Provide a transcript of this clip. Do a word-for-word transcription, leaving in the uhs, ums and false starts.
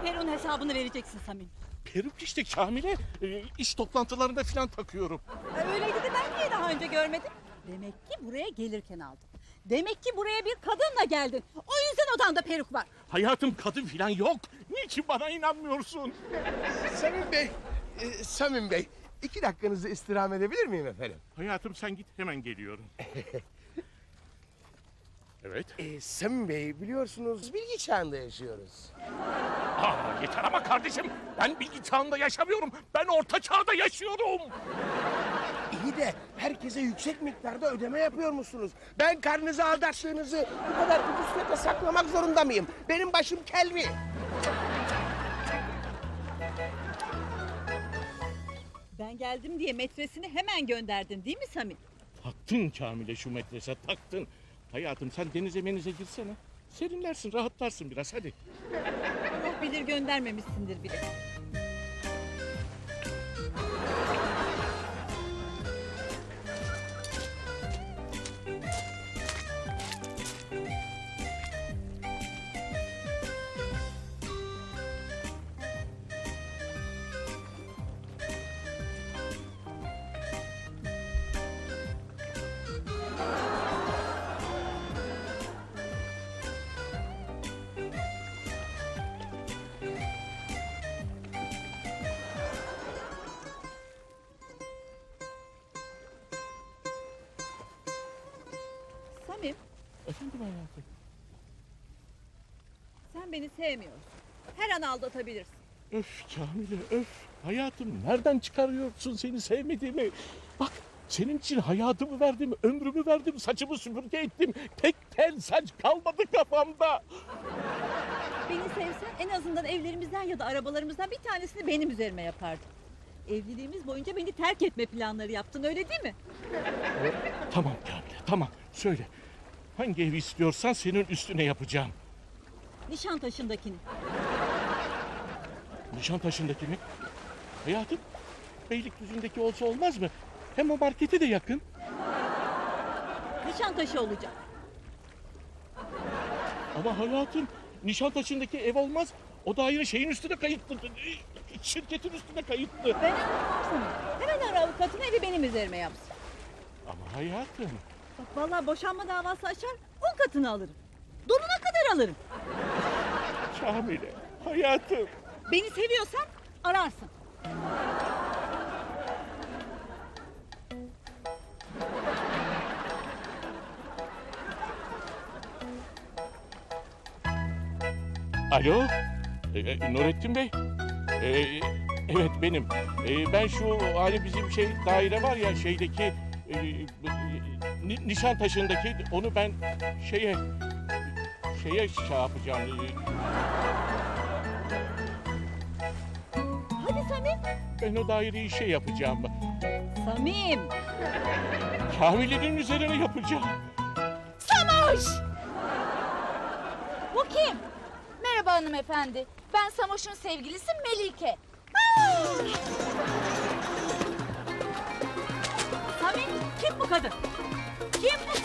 Peru'nun hesabını vereceksin Samim. Peruk işte Kamile. Ee, iş toplantılarında falan takıyorum. E, öyleydi de ben niye daha önce görmedim? Demek ki buraya gelirken aldın. Demek ki buraya bir kadınla geldin. O yüzden odanda peruk var. Hayatım kadın falan yok. Niçin bana inanmıyorsun? Samim Bey, e, Samim Bey, iki dakikanızı istirham edebilir miyim efendim? Hayatım sen git hemen geliyorum. Evet. E, Samim Bey, biliyorsunuz bilgi çağında yaşıyoruz. Aa, yeter ama kardeşim. Ben bilgi çağında yaşamıyorum. Ben orta çağda yaşıyorum. İyi de herkese yüksek miktarda ödeme yapıyor musunuz? Ben karnınızı aldattığınızı bu kadar ucuz fiyata saklamak zorunda mıyım? Benim başım kelvi. Ben geldim diye metresini hemen gönderdin değil mi Samim? Taktın Kamile şu metrese taktın. Hayatım sen denize menize girsene. Serinlersin, rahatlarsın biraz hadi. Allah bilir göndermemişsindir bile. Samim, Efendim hayatım. sen beni sevmiyorsun. Her an aldatabilirsin. Öf Kamile öf. Hayatım nereden çıkarıyorsun seni sevmediğimi? Bak senin için hayatımı verdim, ömrümü verdim, saçımı süpürge ettim. Tek tel saç kalmadı kafamda. Beni sevsen en azından evlerimizden ya da arabalarımızdan bir tanesini benim üzerime yapardın. Evliliğimiz boyunca beni terk etme planları yaptın, öyle değil mi? Tamam Kamile tamam söyle. Hangi evi istiyorsan senin üstüne yapacağım. Nişantaşı'ndakini. Nişantaşı'ndaki mi? Hayatım Beylikdüzü'ndeki olsa olmaz mı? Hem o markete de yakın. Nişantaşı olacak. Ama hayatım Nişantaşı'ndaki ev olmaz. O daire şeyin üstüne kayıtlı. Şirketin üstüne kayıtlı. Ben anlamam Samim. Hemen ara avukatını, evi benim üzerime yapsın. Ama hayatım. Bak vallahi boşanma davası açar, on katını alırım. Donuna kadar alırım. Kamile hayatım. Beni seviyorsan ararsın. Alo. Ee, e, Nurettin Bey. Ee, evet benim. Ee, ben şu hani bizim şey daire var ya şeydeki e, Ni- Nişantaşı'ndaki onu ben şeye şeye şey yapacağım. Ee, Hadi Samim. Ben o daireyi şey yapacağım. Samim. Kamile'nin üzerine yapacağım. Samoş! Bu kim? Merhaba hanımefendi. Ben Samoş'un sevgilisi Melike. Samim, kim bu kadın? Kim bu